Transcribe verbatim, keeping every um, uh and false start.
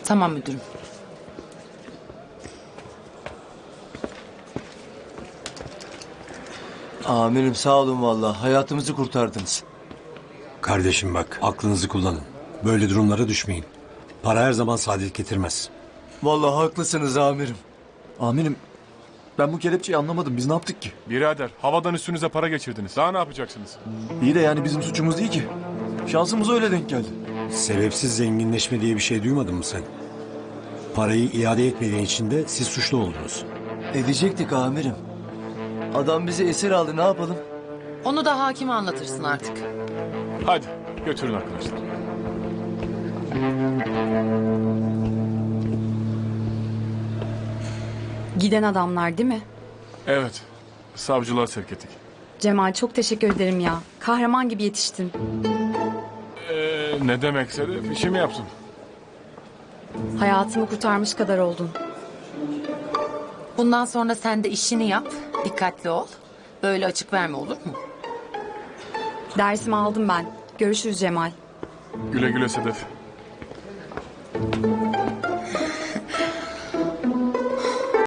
Tamam müdürüm. Amirim sağ olun vallahi. Hayatımızı kurtardınız. Kardeşim bak, aklınızı kullanın. Böyle durumlara düşmeyin. Para her zaman saadet getirmez. Vallahi haklısınız amirim. Amirim ben bu kelepçeyi anlamadım. Biz ne yaptık ki? Birader havadan üstünüze para geçirdiniz. Daha ne yapacaksınız? İyi de yani bizim suçumuz değil ki. Şansımız öyle denk geldi. Sebepsiz zenginleşme diye bir şey duymadın mı sen? Parayı iade etmediğin için de siz suçlu oldunuz. Edecektik amirim. Adam bizi esir aldı, ne yapalım? Onu da hakime anlatırsın artık. Hadi götürün arkadaşlar. Giden adamlar değil mi? Evet. Savcılığa sevk ettik. Cemal çok teşekkür ederim ya. Kahraman gibi yetiştin. Ee, ne demekse de işimi yaptım. Hayatımı kurtarmış kadar oldun. Bundan sonra sen de işini yap. Dikkatli ol. Böyle açık verme, olur mu? Dersimi aldım ben. Görüşürüz Cemal. Güle güle Sedef.